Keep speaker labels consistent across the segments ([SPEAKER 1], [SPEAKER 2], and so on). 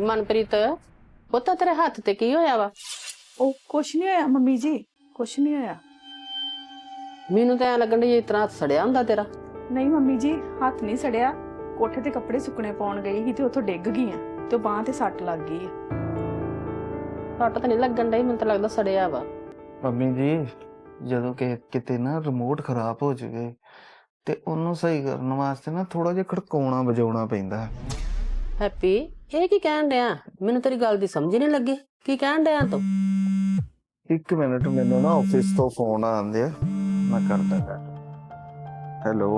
[SPEAKER 1] मनप्रीत पुत्त तेरे हथ ते की होया वा?
[SPEAKER 2] ਉਹ ਕੁਛ ਨਹੀਂ ਹੋਇਆ ਮੰਮੀ ਜੀ, ਕੁਛ ਨਹੀਂ ਹੋਇਆ।
[SPEAKER 1] मैनू तो ऐ लगन डई इतना हथ सड़िया हुंदा तेरा।
[SPEAKER 2] ਨਹੀਂ ਮੰਮੀ ਜੀ, ਹੱਥ ਨਹੀਂ ਸੜਿਆ। ਕੋਠੇ ਤੇ ਕੱਪੜੇ ਸੁੱਕਣੇ ਪਾਉਣ ਗਈ ਸੀ ਤੇ ਉੱਥੋਂ ਡਿੱਗ ਗਈ ਆ ਤੇ ਬਾਂਹ ਤੇ ਸੱਟ ਲੱਗ ਗਈ ਆ।
[SPEAKER 1] सट तो नहीं लगन डई, मैनू तो लगदा सड़िया वा।
[SPEAKER 3] ਮੰਮੀ ਜੀ ਜਦੋਂ ਕਿਤੇ ਨਾ ਰਿਮੋਟ ਖਰਾਬ ਹੋ ਜਾਵੇ ਤੇ ਉਹਨੂੰ ਸਹੀ ਕਰਨ ਵਾਸਤੇ ਨਾ ਥੋੜਾ ਜਿਹਾ ਖੜਕਾਉਣਾ ਵਜਾਉਣਾ ਪੈਂਦਾ।
[SPEAKER 1] हैप्पी ये की कहन डया? मैनू तेरी गल दी समझ नहीं लगी, की कहन डया तू?
[SPEAKER 3] ਇੱਕ ਮਿੰਟ ਮੈਨੂੰ ਨਾ ਆਫਿਸ ਤੋਂ ਫੋਨ ਆਉਂਦੇ ਆ, ਮੈਂ ਕਰਦਾ ਗੱਲ। ਹੈਲੋ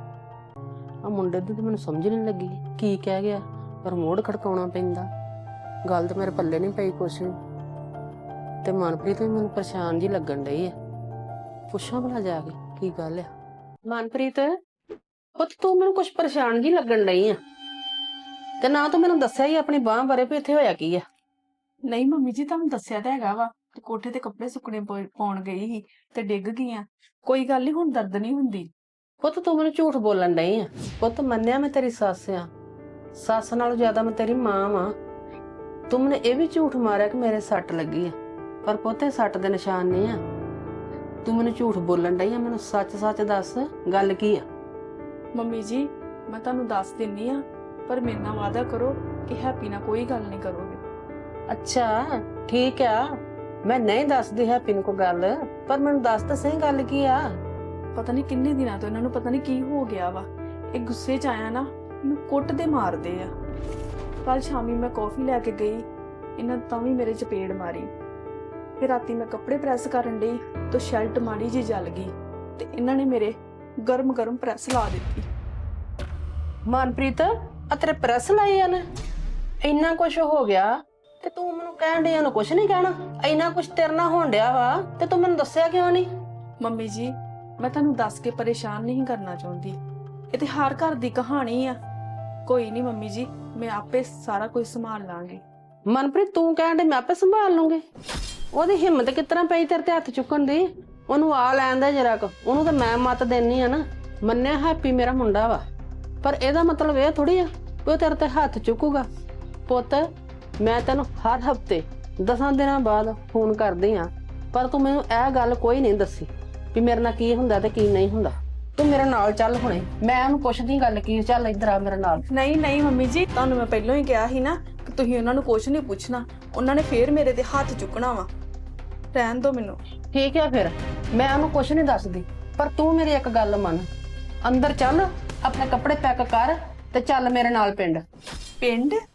[SPEAKER 1] आ मुंडे दी तो मैनू समझ नहीं लगी की कह गया, रिमोट खड़काउणा पैंदा। गल तो मेरे पल्ले नहीं पई कुछ ते मनप्रीत भी मैनू परेशान जी लगन डई है। पुछां भला जाके की गल है। मनप्रीत पुत्त तू मैनू कुछ परेशान जी लगन डई है ते ना तू मैनू दस्सिया ही अपनी बांह बारे भी इत्थे होया की है।
[SPEAKER 2] ਨਹੀਂ ਮੰਮੀ ਜੀ, ਤੁਹਾਨੂੰ ਦੱਸਿਆ ਤਾਂ ਹੈਗਾ ਵਾ ਤੇ ਕੋਠੇ ਤੇ ਕੱਪੜੇ ਸੁੱਕਣੇ ਪਾਉਣ ਗਈ ਸੀ ਤੇ ਡਿੱਗ ਗਈ ਆ। ਕੋਈ ਗੱਲ ਨਹੀਂ, ਹੁਣ ਦਰਦ ਨਹੀਂ ਹੁੰਦੀ।
[SPEAKER 1] ਪੁੱਤ ਤੂੰ ਮੈਨੂੰ ਝੂਠ ਬੋਲਣ ਡਈ ਆ। ਪੁੱਤ ਮੰਨਿਆ ਮੈਂ ਤੇਰੀ ਸੱਸ ਆ, ਸੱਸ ਨਾਲੋਂ ਜ਼ਿਆਦਾ ਮੈਂ ਤੇਰੀ ਮਾਂ ਵਾਂ। ਤੂੰ ਮੈਨੂੰ ਇਹ ਵੀ ਝੂਠ ਮਾਰਿਆ ਕਿ ਮੇਰੇ ਸੱਟ ਲੱਗੀ ਆ, ਪਰ ਪੁੱਤ ਇਹ ਸੱਟ ਦੇ ਨਿਸ਼ਾਨ ਨਹੀਂ ਆ। ਤੂੰ ਮੈਨੂੰ ਝੂਠ ਬੋਲਣ ਡਈ ਆ, ਮੈਨੂੰ ਸੱਚ ਸੱਚ ਦੱਸ ਗੱਲ ਕੀ ਆ।
[SPEAKER 2] ਮੰਮੀ ਜੀ ਮੈਂ ਤੁਹਾਨੂੰ ਦੱਸ ਦਿੰਨੀ ਆ, ਪਰ ਮੇਰੇ ਨਾਲ ਵਾਅਦਾ ਕਰੋ ਕਿ ਹੈਪੀ ਨਾਲ ਕੋਈ ਗੱਲ ਨਹੀਂ ਕਰੋਗੇ।
[SPEAKER 1] ਅੱਛਾ ਠੀਕ ਆ, ਮੈਂ ਨਹੀਂ ਦੱਸਦੀ ਹੈਪੀ ਨੂੰ ਕੋਈ ਗੱਲ, ਪਰ ਮੈਨੂੰ ਦੱਸ ਤਾਂ ਸਹੀ ਗੱਲ ਕੀ ਆ।
[SPEAKER 2] ਪਤਾ ਨਹੀਂ ਕਿੰਨੇ ਦਿਨਾਂ ਤੋਂ ਇਹਨਾਂ ਨੂੰ ਪਤਾ ਨਹੀਂ ਕੀ ਹੋ ਗਿਆ ਵਾ। ਇਹ ਗੁੱਸੇ 'ਚ ਆਇਆ ਨਾ, ਇਹਨੂੰ ਕੁੱਟਦੇ ਮਾਰਦੇ ਆ। ਕੱਲ ਸ਼ਾਮੀ ਮੈਂ ਕੌਫੀ ਲੈ ਕੇ ਗਈ, ਇਹਨਾਂ ਤਾਂ ਵੀ ਮੇਰੇ ਚਪੇੜ ਮਾਰੀ। ਫਿਰ ਰਾਤੀ ਮੈਂ ਕੱਪੜੇ ਪ੍ਰੈਸ ਕਰਨ ਡਈ ਤਾਂ ਸ਼ਰਟ ਮਾੜੀ ਜਿਹੀ ਜਲ ਗਈ ਤੇ ਇਹਨਾਂ ਨੇ ਮੇਰੇ ਗਰਮ ਗਰਮ ਪ੍ਰੈਸ ਲਾ ਦਿੱਤੀ।
[SPEAKER 1] ਮਨਪ੍ਰੀਤ ਆ ਤੇਰੇ ਪ੍ਰੈਸ ਲਾਈ ਆ ਨੇ, ਇੰਨਾ ਕੁਝ ਹੋ ਗਿਆ ਤੇ ਤੂੰ ਮੈਨੂੰ ਕਹਿਣ ਡਿਆ ਨੂੰ ਕੁਝ ਨਹੀਂ ਕਹਿਣਾ। ਇੰਨਾ ਕੁਝ ਤੇਰੇ ਨਾਲ ਹੋਣ ਡਿਆ ਵਾ ਤੇ ਤੂੰ ਮੈਨੂੰ ਦੱਸਿਆ ਕਿਉਂ ਨਹੀਂ?
[SPEAKER 2] ਮੰਮੀ ਜੀ ਮੈਂ ਤੁਹਾਨੂੰ ਦੱਸ ਕੇ ਪਰੇਸ਼ਾਨ ਨਹੀਂ ਕਰਨਾ ਚਾਹੁੰਦੀ, ਇਹ ਤੇ ਹਰ ਘਰ ਦੀ ਕਹਾਣੀ ਆ। ਕੋਈ ਨਹੀਂ ਮੰਮੀ ਜੀ, ਮੈਂ ਆਪੇ ਸਾਰਾ ਕੁਝ ਸੰਭਾਲ ਲਾਂਗੀ।
[SPEAKER 1] ਮਨਪ੍ਰੀਤ ਤੂੰ ਕਹਿਣ ਦੇ ਮੈਂ ਆਪੇ ਸੰਭਾਲ ਲੂੰਗੀ? ਉਹਦੀ ਹਿੰਮਤ ਕਿਤਨਾ ਪਈ ਤੇਰੇ ਤੇ ਹੱਥ ਚੁੱਕਣ ਦੀ? ਉਹਨੂੰ ਆ ਲੈਣ ਦੇ ਜਰਾ ਕੁ, ਉਹਨੂੰ ਤਾਂ ਮੈਂ ਮੱਤ ਦੇਣੀ ਆ ਨਾ। ਮੰਨਿਆ ਹੈਪੀ ਮੇਰਾ ਮੁੰਡਾ ਵਾ, ਪਰ ਇਹਦਾ ਮਤਲਬ ਇਹ ਥੋੜੀ ਆ ਕਿ ਉਹ ਤੇਰੇ ਤੇ ਹੱਥ ਚੁੱਕੂਗਾ। ਪੁੱਤ ਮੈਂ ਤੈਨੂੰ ਹਰ ਹਫਤੇ 10 ਦਿਨਾਂ ਬਾਅਦ ਫੋਨ ਕਰਦੀ ਆ, ਪਰ ਤੂੰ ਮੈਨੂੰ ਇਹ ਗੱਲ ਕੋਈ ਨਹੀਂ ਦੱਸੀ ਵੀ ਮੇਰੇ ਨਾਲ ਕੀ ਹੁੰਦਾ ਤੇ ਕੀ ਨਹੀਂ ਹੁੰਦਾ। ਤੂੰ ਮੇਰੇ ਨਾਲ ਚੱਲ ਹੁਣੇ, ਮੈਂ ਉਹਨੂੰ ਪੁੱਛਦੀ ਗੱਲ ਕੀ। ਚੱਲ ਇੱਧਰ ਆ ਮੇਰੇ ਨਾਲ।
[SPEAKER 2] ਨਹੀਂ ਨਹੀਂ ਮੰਮੀ ਜੀ, ਤੁਹਾਨੂੰ ਮੈਂ ਪਹਿਲਾਂ ਹੀ ਕਿਹਾ ਸੀ ਨਾ ਕਿ ਤੁਸੀਂ ਉਹਨਾਂ ਨੂੰ ਕੁਝ ਨਹੀਂ ਪੁੱਛਣਾ, ਉਹਨਾਂ ਨੇ ਫੇਰ ਮੇਰੇ ਤੇ ਹੱਥ ਚੁੱਕਣਾ ਵਾ। ਰਹਿਣ ਦਿਓ ਮੈਨੂੰ।
[SPEAKER 1] ਠੀਕ ਹੈ ਫਿਰ ਮੈਂ ਉਹਨੂੰ ਕੁਝ ਨਹੀਂ ਦੱਸਦੀ, ਪਰ ਤੂੰ ਮੇਰੀ ਇੱਕ ਗੱਲ ਮੰਨ। ਅੰਦਰ ਚੱਲ, ਆਪਣੇ ਕੱਪੜੇ ਪੈਕ ਕਰ ਤੇ ਚੱਲ ਮੇਰੇ ਨਾਲ ਪਿੰਡ।
[SPEAKER 2] ਪਿੰਡ?